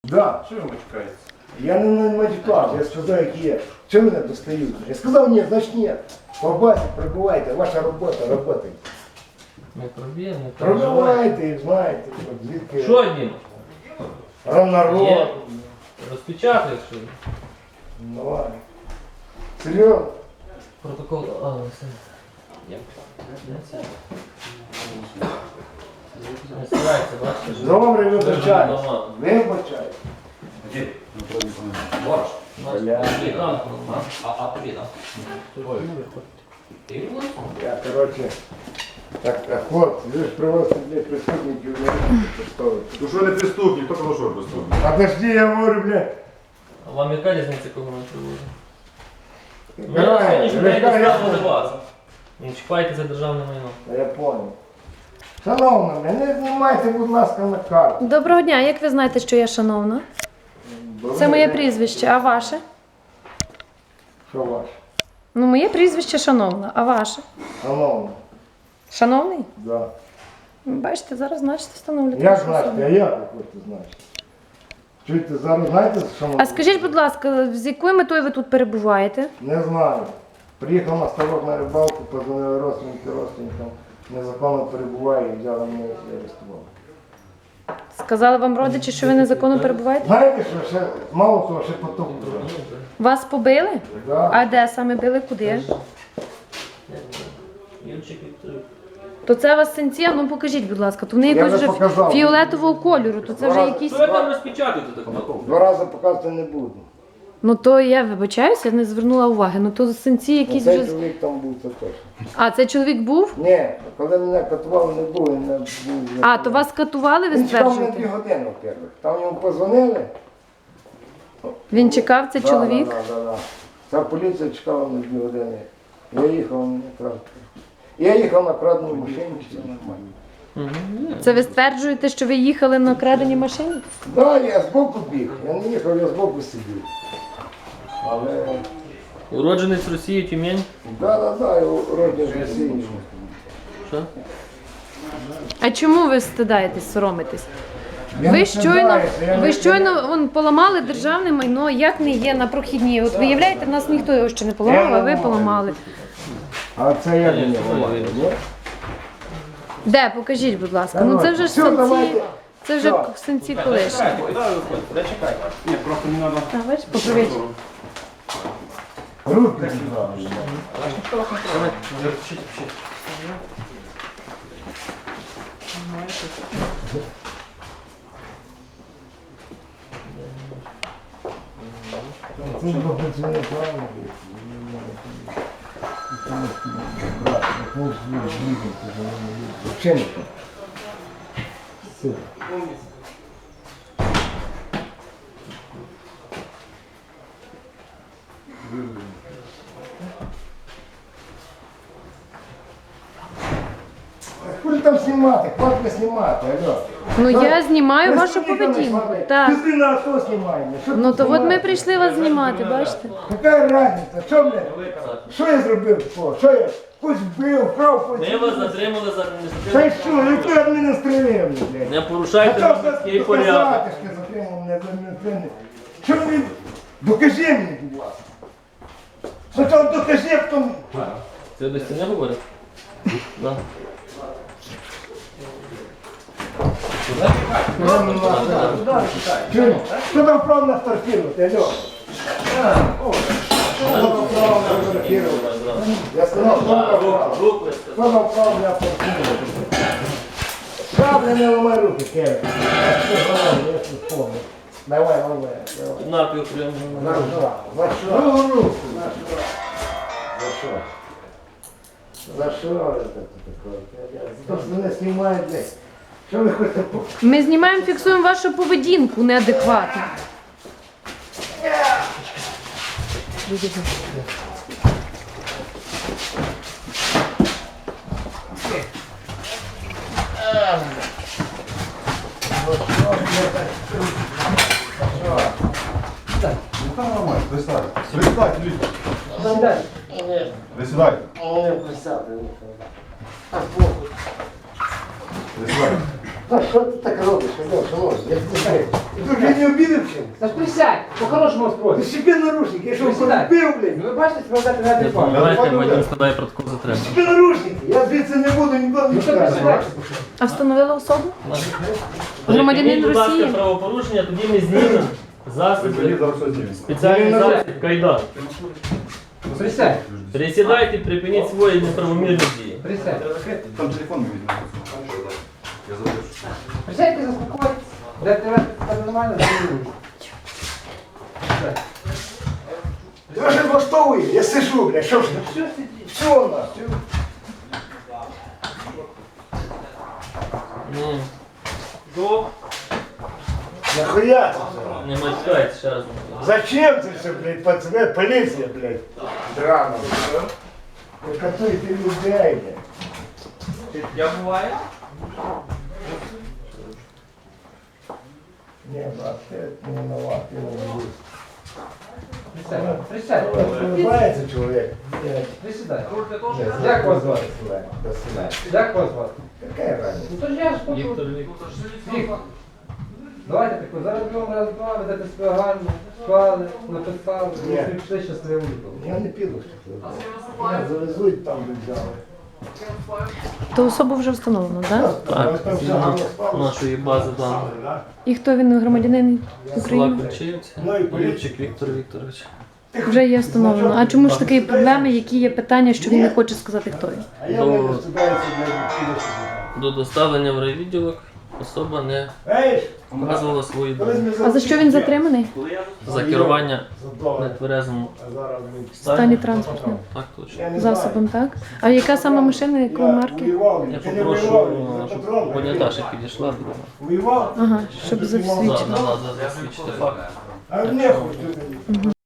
Да. Що ви матюкаєте? Я не матюкав, я сказав, як є. Чого мене достають? Я сказав, ні, значить ні. По базі пробувайте, ваша робота, работайте. Не проб'є, не переживай. Пробивайте і знаєте, звідки Що, Дім? равнород. Є? Розпечатаєш, що ли? Давай. Серйозно? Протокол. А, все. Є. Не старайся, бачиш? Добре, вибачайте. Дома. Вибачайте. Борщ. Бля. А тобі, так? Ти будеш? Я, короче, так, хлопці, ви ж привозите для преступників, не можете поставити. Ну що не преступник, хто казав, що преступник? Подожди, я говорю, бля. А вам яка різниця, кого ми привозимо? Ми Грає, на сьогоднішній день грає, доставили вас. Не чіпайте за державне майно. Я понял. Шановна, мене знімайте, будь ласка, на карту. Доброго дня, як ви знаєте, що я шановна? Це моє прізвище, а ваше? Що ваше? Ну, моє прізвище шановна, а ваше? Шановна, Шановний? да. Бачите, зараз значите встановлюєте. Як вашу знаєте, особу. а як ви хочете знати? Чуєте, зараз знаєте, що ми... А скажіть, будь ласка, з якою метою ви тут перебуваєте? Не знаю. Приїхав на ставок на рибалку, позвонили родственникам, незаконно перебуває і взяли мене і арестували. Сказали вам родичі, що ви незаконно перебуваєте? Знаєте, що ще, мало того, ще потоп дуже. Вас побили? Да. А де саме били? Куди? Юрчик Вікторович. То це у вас синці? А ну покажіть, будь ласка. То вони Я якось вже вже показав. фіолетового кольору, то це вже якісь... Що ви там розпечатуєте так? Два рази показувати не буду. Ну то я вибачаюся, я не звернула уваги. Ну то синці якісь Цей вже... чоловік там був, це точно. А, це чоловік був? Ні, коли мене катували, не було, він не був. А, то вас катували, ви Він чекав мене 2 стверджуєте? години, во-первых. Там йому позвонили. Він чекав, це чоловік? Да. Ця поліція чекала мене 2 години. Я їхав на крадну. Я їхав на крадній машині, все нормально. Це ви стверджуєте, що ви їхали на краденій машині? Так, я збоку біг. Я не їхав, я збоку сидів. Але... Уродженець Росії, Тюмень. Да, я родин з Росії. Що? А чому ви стидаєтесь, соромитесь? Я Ви не щойно, стидаюся, я ви не- щойно вон, поламали державне майно, як не є на прохідній. От виявляєте, в нас ніхто його ще не поламав, а ви поламали. А це як Ні, мені це говорить? ви. Де, покажіть, будь ласка. Ну це вже ж Все, синці, давайте. це вже Все. синці колишні. Ні, просто не треба. Так, бачиш, поправіть. Руки сюди. Це не працює правильно. Взагалі не. Все. Хули там знімати? Хватка знімати, алло. Ну я знімаю вашу Преступника не поведінку. смотри. Так. Ти на авто знімаємо. Що Ну ти то от ми знімаєш? прийшли вас знімати, бачите? Яка різниця? Що, блядь? Що я зробив такого? Що я? Когось вбив, вкрав, когось... Ми вас затримали за Та адміністративне. й що? Яке адміністративне, блядь? Не порушайте громадський порядок. Доказати, що затримав мене за адміністративне. Що ви? Докажи мені, будь ласка. Спочатку докажи, а потім... Це до стіни говорить? Да. Чуєш? Що там право на фотографувати, алло? Що там право на фотографувати? Я сказав, що там право. Руку Що там право на фотографувати? Шабля не ламай руки, Кевin. Я не вспомню. Давай, ламай. напів прямо. За що? Руку. За що? За що це таке? За те, що мене знімають, блядь. Що ви хочете? Ми знімаємо, фіксуємо вашу поведінку неадекватну. Ну там нормально, присядьте. Присядьте, Віктор. Сідай. Присідайте. Не писати. Присідайте. А що ти так робиш, шановний? Я не знаю. Ти вже не обідав чим? Та ж присядь, по-хорошому Ти спросиш. себе наручники, я що Присідай. вбив, блядь? Ви бачите, складати на Не адекватно. допомагайте, Вадим складає протокол затримання. Себе наручники, я звідси не буду ніколи не Ну що чекати. присідайте? А встановила особу? Припиніть, Громадянин будь ласка, Росії. правопорушення, тоді ми знімемо засоби, зараз все знімемо. спеціальний засіб, кайдан. Присядь, Пересідайте, припиніть свої неправомірні дії. присядь. Там телефон не візьме. Я залишу. Присядьте, заспокойтесь. Де тебе нормально, де не буде. Ти вже влаштовує, я сижу, блядь, що ж? Що сидіть? Що нахуй? До, Нахуя це все? не матюкайте, ще раз. Зачем це все, блядь, пацани? Поліція, блядь, драна, блядь. Ви катуєте людей, блядь. Я буваю? Ні, брат, ти не виноват, я не буду. Присядь, присядь. Улыбається чоловік. Присідай. Ні, Як вас звати? До свидання. Як вас звати? Какая разница? Ну то ж я ж хочу. Віктор Вікторович. Віктор. Давайте тако, зараз будемо раз два, ведете себе гарно, склали, написали, Ні. і пішли щасливо додому. Я не піду, що ти. Мене завезуть там, де взяли. То особу вже встановлено, так? Так, згідно нашої бази даних. І хто він, громадянин Села України? Ключівці, Ну і поліція. Юрчик Віктор Вікторович. Вже є встановлено. А чому ж такі проблеми, які є питання, що він не хоче сказати, хто він? А я не розступаюся, блядь, піду сюди. До доставлення в райвідділок особа не Ей, показувала свої колись дані. ми А за що він затриманий? За керування За долар. нетверезому А зараз ми... В стані транспортним Так точно. Я не знаю. засобом, так? А яка саме машина, якої Я марки? воював, Я чи не попрошу, воював, за щоб патрон. поняташа підійшла друга. Воював? Ага, щоб За, засвідчити. засвідчити факт. А не хочу.